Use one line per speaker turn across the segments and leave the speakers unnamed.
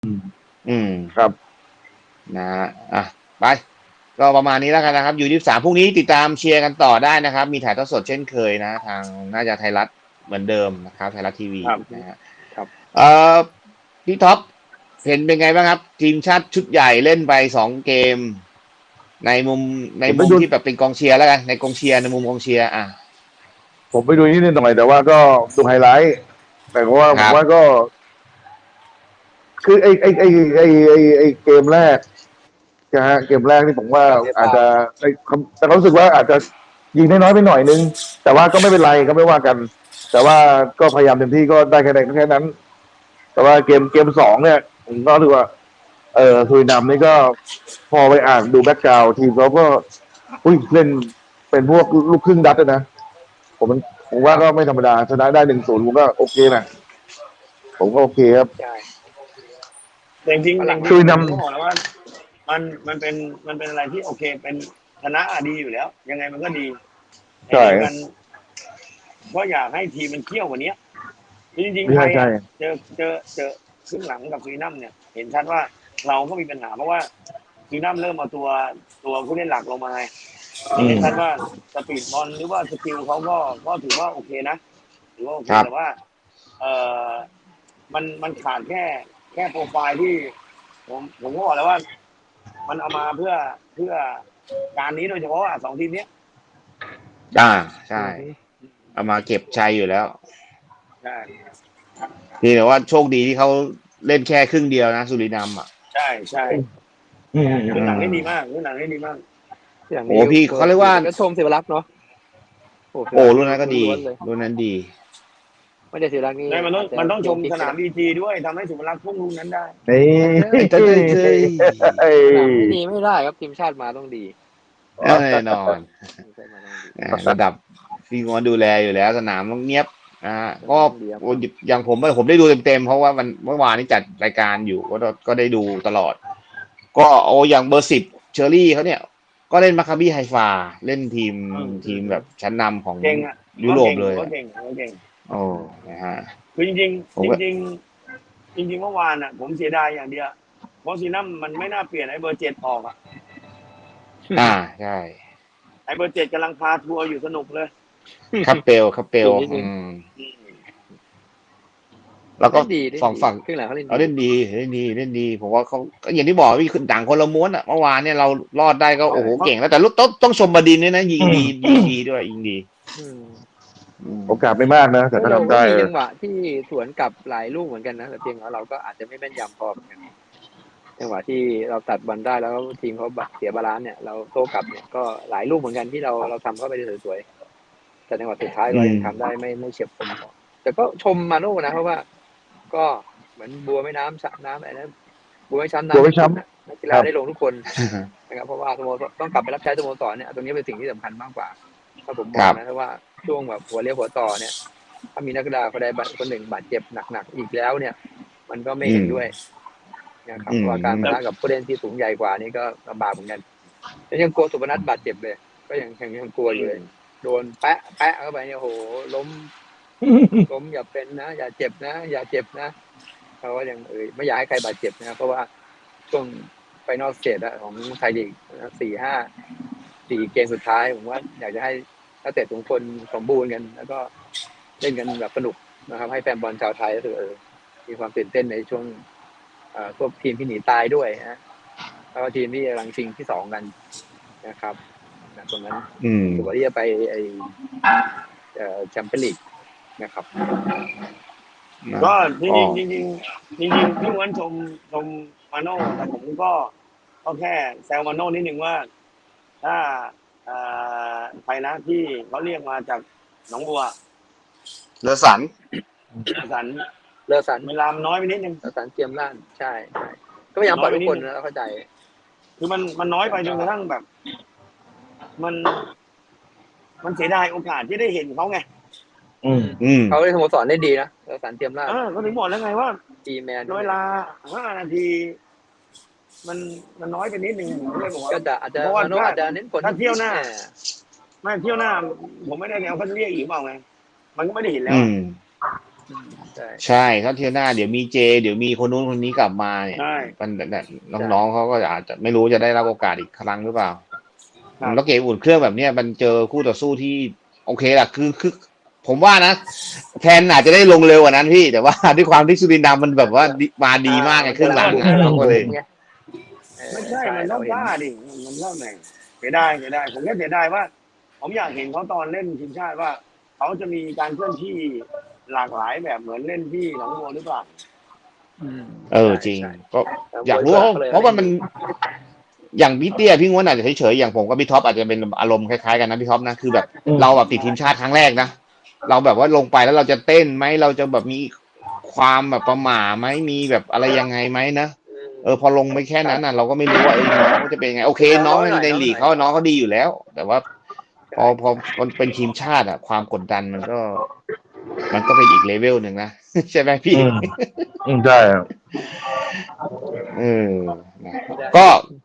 ครับนะฮะไปก็ประมาณนี้แล้วกันนะครับU23พรุ่งนี้ติดตามเชียร์กันต่อได้นะครับมีถ่ายทอดสดเช่นเคยนะทางน่าจะไทยรัฐเหมือนเดิมนะครับไทยรัฐทีวีนะฮะเอ่อพี่ท็อปเห็นเป็นไงบ้างครับทีมชาติชุดใหญ่เล่นไป2 เกมในมุมใน
ผมไปดู
มุมที่แบบเป็นกองเชียร์แล้วกันในกองเชียร์ในมุมกองเชียร์
ผมไปดูนิดหน่อยแต่ว่าก็ดูไฮไลท์แต่ว่า
ครับ
ผมว่าก็ คือไอเกมแรกนะฮะเกมแรกนี่ผมว่าอาจจะแต่เขารู้สึกว่าอาจจะยิงได้น้อยไปหน่อยนึงแต่ว่าก็ไม่เป็นไรก็ไม่ว่ากัน แต่ว่าก็พยายามเต็มที่ก็ได้แค่นั้น แต่ว่าเกมสองเนี่ยผมก็ถือว่าสุรินามนี่ก็พอไปอ่านดูแบ็กกราวด์ทีมเขาก็อุ้ยเล่นเป็นพวกลูกครึ่งดัตเลยนะผมมันผมว่าก็ไม่ธรรมดาชนะได้1-0ผมก็โอเคนะผมก็โอเคครับ
ใช่
จริงจริง
สุรินาม
ผมก็บอกแล้วว่ามันเป็นอะไรที่โอเคเป็นชนะดีอยู่แล้ว ยังไงมันก็ดี
ใช่
กันก็อยากให้ทีมมันเขี้ยวกว่านี้จริงๆไท
ใช่
ย
ใช่
เจอครึ่งหลังกับซูรินัมเนี่ย เห็นชัดว่าเราก็มีปัญหาเพราะว่าซูรินัมเริ่มเอาตัวผู้เล่นหลักลงมาเห็นชัดว่าสปีดบอลหรือว่าสกิลเขาก็ถือว่าโอเคนะถือว่าโอเคแต่ว่า เอ่อมันขาดแค่โปรไฟล์ที่ผมก็บอกแล้วว่า มันเอามาเพื่อการนี้โดยเฉพาะ2 ทีมนี้
ใช่เอามาเก็บชัยอยู่แล้ว
ใช่
นี่แต่ว่าโชคดีที่เขาเล่นแค่ครึ่งเดียวนะสุรินาม
ใช่เรื่องหนังได้ดีมากเรื่องหนังได้ดีมาก
อย่าง
โอ้พี่เขาเรียกว่า
ก็ชมศิวรักษ์เนาะ
โอ้รุ่นนั้นก็ดีรุ่นนั้นดี
ไม่ได้ศิวรักษ์นี่
มันต้องชมสนามBGด้วยทำให้สุวรรณพุ่งลูกนั้นได้
เฮ้ย
สนามไม่ดีไม่ได้ครับทีมชาติมาต้องดี
แน่นอนระดับพี่งอนดูแลอยู่แล้วสนามต้องเงียบก็อย่างผมได้ดูเต็มๆเพราะว่าเมื่อวานนี้จัดรายการอยู่ก็ได้ดูตลอดก็อย่างเบอร์10เชอรี่เขาเนี่ยก็เล่นมาคาบี้ไฮฟาเล่นทีมแบบชั้นนำของยุโรปเลยโอ้นะฮะ
คือจริงเมื่อวานผมเสียดายอย่างเดียวเพราะซีนัมมันไม่น่าเปลี่ยนไอ้เบอร์7ออก
ใช่
ไอ้เบอร์7กำลังพาทัวร์อยู่สนุกเลย
ครับเปลแล้วก็ฝั่ง
ครึ่งหลังเขา
เล่นดีผมว่าเขาอย่างที่บอกว่าคือต่างคนละม้วนเมื่อวานเนี่ยเรารอดได้ก็โอ้โหเก่งแล้วแต่ต้องชมบดินด้วยนะยิงดีด้วยยิงดี
โอกาสไม่มากนะแต่ก็ทำได้
จังหวะที่สวนกลับหลายลูกเหมือนกันนะแต่เพียงว่าเราก็อาจจะไม่แม่นยำพอเหมือนกันจังหวะที่เราตัดบอลได้แล้วทีมเขาเสียบาลานซ์เนี่ยเราโต้กลับเนี่ยก็หลายลูกเหมือนกันที่เราทำเข้าไปได้สวยๆแต่จังหวะสุดท้ายเรายังทำได้ไม่เฉียบคมพอแต่ก็ชมมาโน่นะเพราะว่าก็เหมือนบัวไม่น้ำสระน้ำอะไรนั้นบัวไม่ช้ำน้ำนักกีฬาได้ลงทุกคนนะครับเพราะว่าสโมสรต้องกลับไปรับใช้สโมสรเนี่ยตรงนี้เป็นสิ่งที่สำคัญมากกว่าถ้าผมมองนะเพราะว่าช่วงแบบหัวเลี้ยวหัวต่อเนี่ยถ้ามีนักกีฬาคนใดคนหนึ่งบาดเจ็บหนักๆอีกแล้วเนี่ยมันก็ไม่เห็นด้วยนะครับว่าการปะทะกับผู้เล่นที่สูงใหญ่กว่านี่ก็ลำบากเหมือนกันแล้วยังกลัวสุพนัทบาดเจ็บเลยก็ยังกลัวอยู่เลยโดนแปะเข้าไปเนี่ยโหล้มอย่าเป็นนะอย่าเจ็บนะเพราะว่ายังไม่อยากให้ใครบาดเจ็บนะเพราะว่าช่วงไฟนอลสเตจของไทยลีก4 เกมสุดท้ายผมว่าอยากจะให้นักเตะทุกคนสมบูรณ์กันแล้วก็เล่นกันแบบสนุกนะครับให้แฟนบอลชาวไทยก็คือมีความตื่นเต้นในช่วงพวกทีมที่หนีตายด้วยนะแล้วก็ทีมที่กำลังชิงที่2กันนะครับตรงนั้นถือว่าที่จะไปแชมเปี้ยนลีกนะครับ
ก็จริงพี่ม้วนชมมาโน่แต่ผมก็แค่แซวมาโน่นิดนึงว่าถ้าไปนะที่เขาเรียกมาจากหนองบัว
เลอสัน
เวลาน้อยไปนิดนึง
เลอสันเตรียมล้านใช่ก็พยายามปล่อยทุกคนแล้วเข้าใจ
คือมันน้อยไปจนกระทั่งแบบมันเสียดายโอกาสที่ได้เห็นเขาไง
เขาได้สโมสรได้ดีนะเลอสันเตรียมล้าน
ก็ถึงบอกแล้วไงว่า
ทีแมน
เวลา5 นาทีมันน้อยไปนิดนึงผมเลยบอกว่า
ก็อาจจะเน้นผล
ถ้าเที่ยวหน้าผมไม่ได้เอาเขาจะเรียกอีกเปล่าไงมันก็ไม่ได้เห็นแล้ว
ใช่
ใช่ถ้าเที่ยวหน้าเดี๋ยวมีเจเดี๋ยวมีคนนู้นคนนี้กลับมาเนี่ย
ใช่
มันน้องๆเขาก็อาจจะไม่รู้จะได้รับโอกาสอีกครั้งหรือเปล่า
ครับ
แล้วเกมอุ่นเครื่องแบบเนี้ยมันเจอคู่ต่อสู้ที่โอเคแหละคือผมว่านะแทนอาจจะได้ลงเร็วกว่านั้นพี่ แต่ว่าด้วยความที่สุรินทร์มันแบบว่ามาดีมากไงครึ่งหลังอ่ะเราก็เลย
ไม่ใช่มันต้องกล้าดิมันต้องไหนเสียดายผมแค่เสียดายว่า ผมอยากเห็นเขาตอนเล่นทีมชาติว่าเขาจะมีการเคลื่อนที่หลากหลายแบบเหมือนเล่นที่หนองบัวหรือเปล่า
จริงก็อยากรู้เพราะว่ามันอย่างพี่เตี้ยพี่ง้วนอาจจะเฉยๆอย่างผมกับพี่ท็อปอาจจะเป็นอารมณ์คล้ายๆกันนะพี่ท็อปนะคือแบบเราแบบติดทีมชาติครั้งแรกนะเราแบบว่าลงไปแล้วเราจะเต้นไหมเราจะแบบมีความแบบประหม่าไหมมีแบบอะไรยังไงไหมนะพอลงไปแค่นั้นน่ะเราก็ไม่รู้ว่าน้องจะเป็นไงโอเคน้องในลีกน้องเขาดีอยู่แล้ว แต่ว่าพอมันเป็นทีมชาติอะความกดดันมันก็เป็นอีกเลเวลหนึ่งนะ ใช่ไหมพี่
ใช่ครับ
นะก็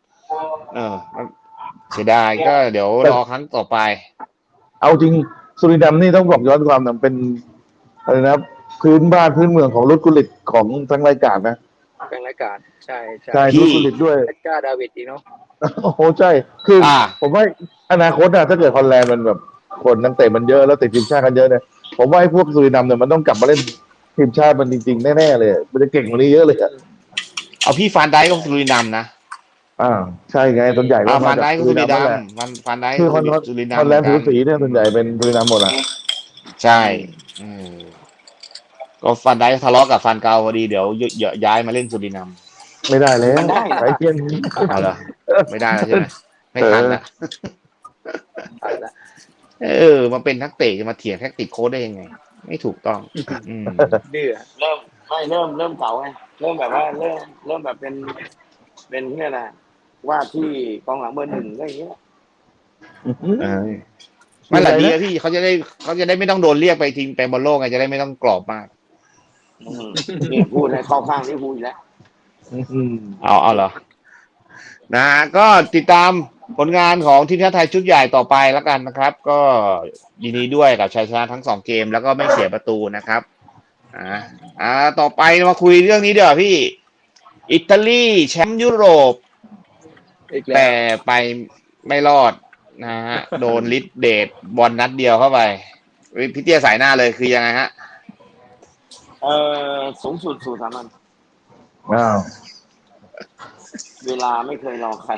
เสียดายก็เดี๋ยวรอครั้งต่อไป
เอาจริงสุรินทร์นี่ต้องบอกย้อนความนะเป็นอะไรนะพื้นบ้านพื้นเมืองของรุดกุลิตของทั้งรายการนะ
เป็นรายการใช่
ใช่
พี่
รุดกุลิตด้วย
กล้าดาวิดอีกเนาะ
โอ้โหใช่คือผมว่าอนาคตอะถ้าเกิดฮอลแลนด์มันแบบคนนักเตะมันเยอะแล้วติดทีมชาติกันเยอะเนี่ยผมว่าไอ้พวกสุรินทร์เนี่ยมันต้องกลับมาเล่นทีมชาติมันจริงๆแน่ๆเลยมันจะเก่งกว่านี้เยอะเลยอะ
เอาพี่ฟานไดก็สุรินทร์นะ
ใช่ไงส่วนใหญ่ก็
ฟานไดก็สุรินท
นั่นแหละ
ร์ฟานได
คือฮ
สุรินทร์
อลแลนด์ผิวสีเนี่ยส่วนใหญ่เป็นสุรินทร์หมดอะ
ใช่ก็ฟานไดทะเลาะกับฟานเกาพอดีเดี๋ยวย้ายมาเล่นสุรินทร์
ไม่ได้เลย
มันได้
ไอ้เทียน
เอาเหรอไม่ได้แล้วใช่ไหมไม่ทันละมาเป็นนักเตะจะมาเถียงแท็กติกโค้ชได้ยังไง ไม่ถูกต้อง
ดื้อ
เริ่มเก่าไงเริ่มแบบว่าเริ่มแบบเป็นเนี่ยนะว่าที่กองหลังเบอร์หนึ่งก็อย่างเงี้ย
ไม่หละดีนะพี่เขาจะได้ไม่ต้องโดนเรียกไปทีมไปบอลโลกไงจะได้ไม่ต้องกรอบมาก
เนี่ยพูดให้เข้าข้างที่พูดอีกแล้ว
เอาเหรอนะก็ติดตามผลงานของทีมชาติไทยชุดใหญ่ต่อไปแล้วกันนะครับ ก็ยินดีด้วยกับชัยชนะทั้ง2 เกมแล้วก็ไม่เสียประตูนะครับต่อไปมาคุยเรื่องนี้เดี๋ยวพี่อิตาลีแชมป์ยุโรปแต่ไปไม่รอดนะฮะโดนลิดเดทบอลนัดเดียวเข้าไปพี่เตี้ยสายหน้าเลยคือยังไงฮะ
สูงสุดสู่สามัญเวลาไม่เคยรอใคร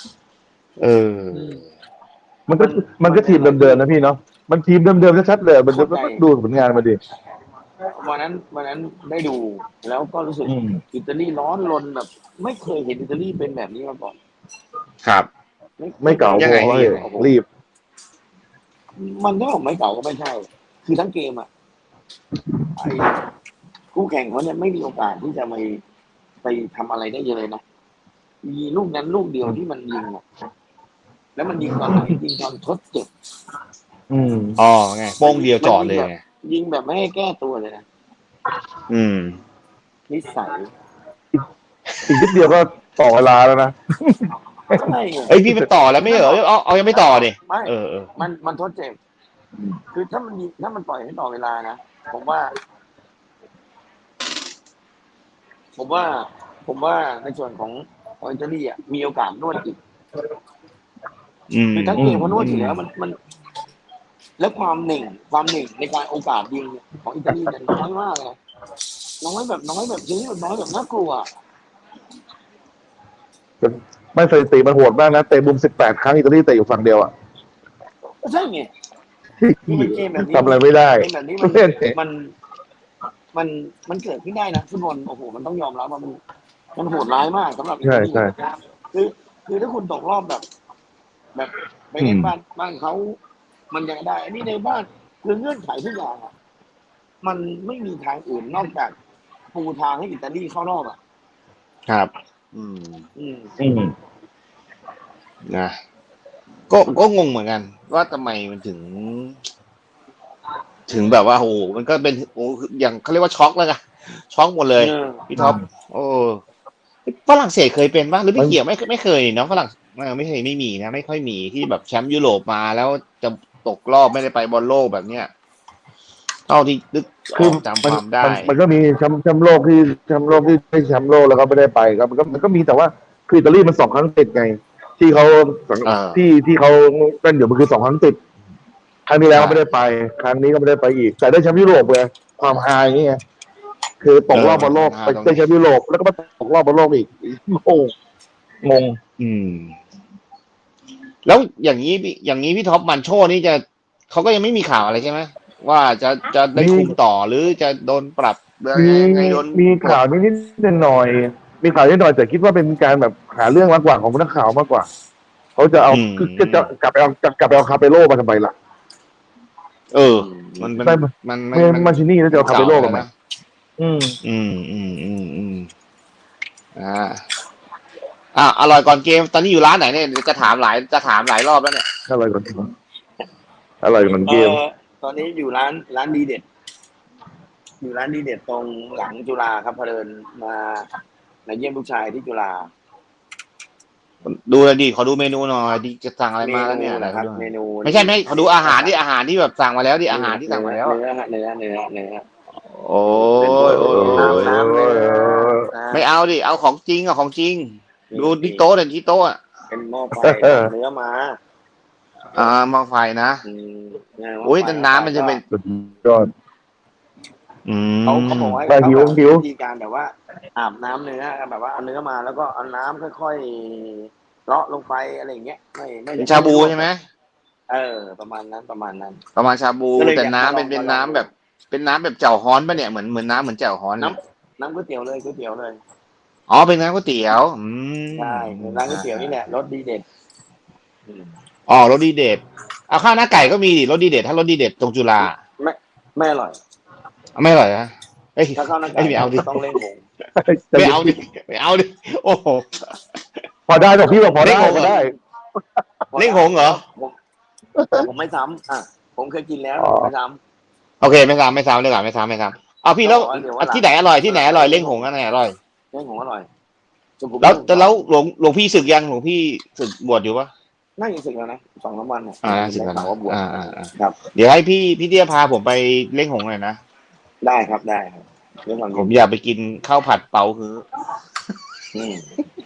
มันก็ทีมเดิมๆนะพี่เนาะมันทีมเดิมๆชัดๆเลยมันจะดูผลงานมาดิ
วันนั้นได้ดูแล้วก็รู้สึกอิตาลีร้อนรนแบบ ไม่เคยเห็นอิตาลีเป็นแบบนี้มาก่อน
ครับ
ไม่เก่าพอเลยรีบ
มันก็ไม่เก่าก็ไม่ใช่คือทั้งเกมอ่ะไอ้คู่แข่งเขาเนี่ยไม่มีโอกาสที่จะไปทำอะไรได้เลยนะมีลูกนั้นลูกเดียวที่มันยิงอ่ะแล้วมันยิงตอนไหนยิงตอนทดเจ็บ
ไงโป้งเดียวจอดเลย
ยิงแบบไม่ให้แก้ตัวเลยนะนิสัย
อีกนิดเดียวก็ต่อเวลาแล้วนะ
ใช่
พี่ไปต่อแล้วไม่เหรอเอายังไม่ต่อดิ
ไม่มันทดเจ็บคือถ้ามันปล่อยให้ต่อเวลานะผมว่าในส่วนของอิตาลีอ่ะมีโอกาสนวดอีกคือทั้งเกมเขานวดอยู่แล้วมันแล้วความหนึ่งในการโอกาสยิงของอิตาลีเนี่ยน้อยมากเลยน้อยแบบยิงแบบน้อยแบบน่ากลัว
ไม่สถิติมันโหดมากนะเตะมุม18 ครั้งอิตาลีเตะอยู่ฝั่งเดียวอ่ะ
ใช่ไงเกมแบบนี้
ทำอะไรไม่ได้
เกมแบบนี้มันเกิดขึ้นได้นะฟุตบอลโอ้โหมันต้องยอมรับว่ามันโหดร้ายมากสำหรับอิตาลีคือถ้าคุณตกรอบแบบไปเล่นบ้านเขามันยังได้อันนี้ในบ้านคือเงื่อนไขทุกอย่างอ่ะมันไม่มีทางอื่นนอกจากปูทางให้อิตาลีเข้ารอบอ่ะ
ครับนะก็งงเหมือนกันว่าทำไมมันถึงแบบว่าโอ้มันก็เป็นอย่างเขาเรียกว่าช็อกแล้วกันช็อกหมดเลยพี่ท็อปฝรั่งเศสเคยเป็นป่ะหรือไม่เกี่ยวไม่เคยเนาะฝรั่งไม่เคยไม่มีนะไม่ค่อยมีที่แบบแชมป์ยุโรปมาแล้วจะตกรอบไม่ได้ไปบอลโลกแบบเนี้ยเท่าที่นึกอ
คือ
อกจำความได้
มันก็มีแชมป์โลกที่ได้แชมป์โลกแล้วก็ไม่ได้ไปครับมันก็มีแต่ว่าคืออิตาลีมัน2 ครั้งติดไง ที่เขา
อ่า
ที่เขาเป็นอยู่มันคือ2 ครั้งติดครั้งที่แล้วก็ไม่ได้ไป ครั้งนี้ก็ไม่ได้ไปอีก แต่ได้แชมป์ยุโรปไงความฮาอย่างเงี้ยคือตกรอบบอลโลกไปได้แชมป์ยุโรปแล้วก็มาตกรอบบอลโลกอีกงง
อืม แล้วอย่างนี้พี่ท็อปมันโชนี่จะเขาก็ยังไม่มีข่าวอะไรใช่ไหมว่าจะได้คุมต่อหรือจะโดนปรับอะไร
มี
ยังไงโดน
มีข่าวนิดหน่อยมีข่าวนิดหน่อยแต่คิดว่าเป็นการแบบหาเรื่องมากกว่าของนักข่าวมากกว่าเขาจะเอาคือจะกลับไปเอาคาเปโร่มาทำไมล่ะ
เออ มัน
ใช่
มัน
ไม่มาชินี่แล้วจะเอาคาเปโร่มาทำไม
นะ
อืม
อร่อยก่อนเกมตอนนี้อยู่ร้านไหนเนี่ยจะถามหลายรอบแล้วเนี่ย
อะไรก่อนเกม
ตอนนี้อยู่ร้านดีเด็ด อยู่ร้านดีเด็ดตรงหลังจุฬาครับพอเดินมาเยี่ยมลูกชายที่จุฬา
ดูเลยดิขอดูเมนูหน่อยดิจะสั่งอะไรมาแล้วเนี่ย
นะครับเมนู
ไม่ใช่ขอดูอาหารที่แบบสั่งมาแล้วดิอาหารที่สั่งมาแล้ว
เนื้อ
โอ้ย
น้ำเลย
ไม่เอาดิเอาของจริงของจริง ดูที่โต๊ะเด่นที่โต๊ะ
เป็นหม้อไฟเนื้อมา
มาไฟนะอุ้ยแต่น้ำมันจะเป็น
สุดยอด
เขาบอกว่า
หิว
วิธีการแบบว่าอาบน้ำเนื้อแบบว่าเอาเนื้อมาแล้วก็เอาน้ำค่อยๆเลาะลงไปอะไรอย่างเงี้ยไม่
เป็นชาบูใช่ไหม
ประมาณนั้น
ประมาณชาบูแต่น้ำเป็นน้ำแบบเป็นน้ำแบบเจ่วฮ้อนป่ะเนี่ยเหมือนน้ำเหมือนเจ่วฮ้อน
น้ำก๋วยเตี๋ยวเลย
อ๋อเป็นน้ำก๋วยเตี๋ยว
ใช่เป็นร้านก๋วยเตี๋ยวนี่แหละรสดีเด็ด
อ๋อรสดีเด็ดเอาข้าวหน้าไก่ก็มีดิรสดีเด็ดถ้ารสดีเด็ดตรงจุฬา
ไม่อร่อย
ไม่อร่อยนะเอ้ย
ถ้าข้าวหน้าไก่
ไม่เอาดิ
ต้องเล่นหง
ไม่เอาดิโอ้โห
พอได้แต่พี่บอกพอได้
เล่นหงส์
พอได้
เล่งหงเหรอ
ผมไม่ซ้ำผมเคยกินแล้ว
อ๋อ
ไม่ซ้
โอเคไม่ซ้ำเลยก่อนไม่ซ้ำเอาพี่แล้วที่ไหนอร่อยเล่งหงอันไหนอร่อย
ำเล่นหงอร่อย
แล้วหลวงพี่ศึกยังหลวงพี่ศึกบวชอยู่ปะ
น่าจะสึกแล้วนะ2-3 วันเนี่ย
ศึกแล้ว
ได้ข่าวว่าบวช
ครับเดี๋ยวให้พี่เดียพาผมไปเล่งหงหน่อยนะ
ได้ครับเรื่องความ
ผมอยากไปกินข้าวผัดเปาฮื้อ
อืม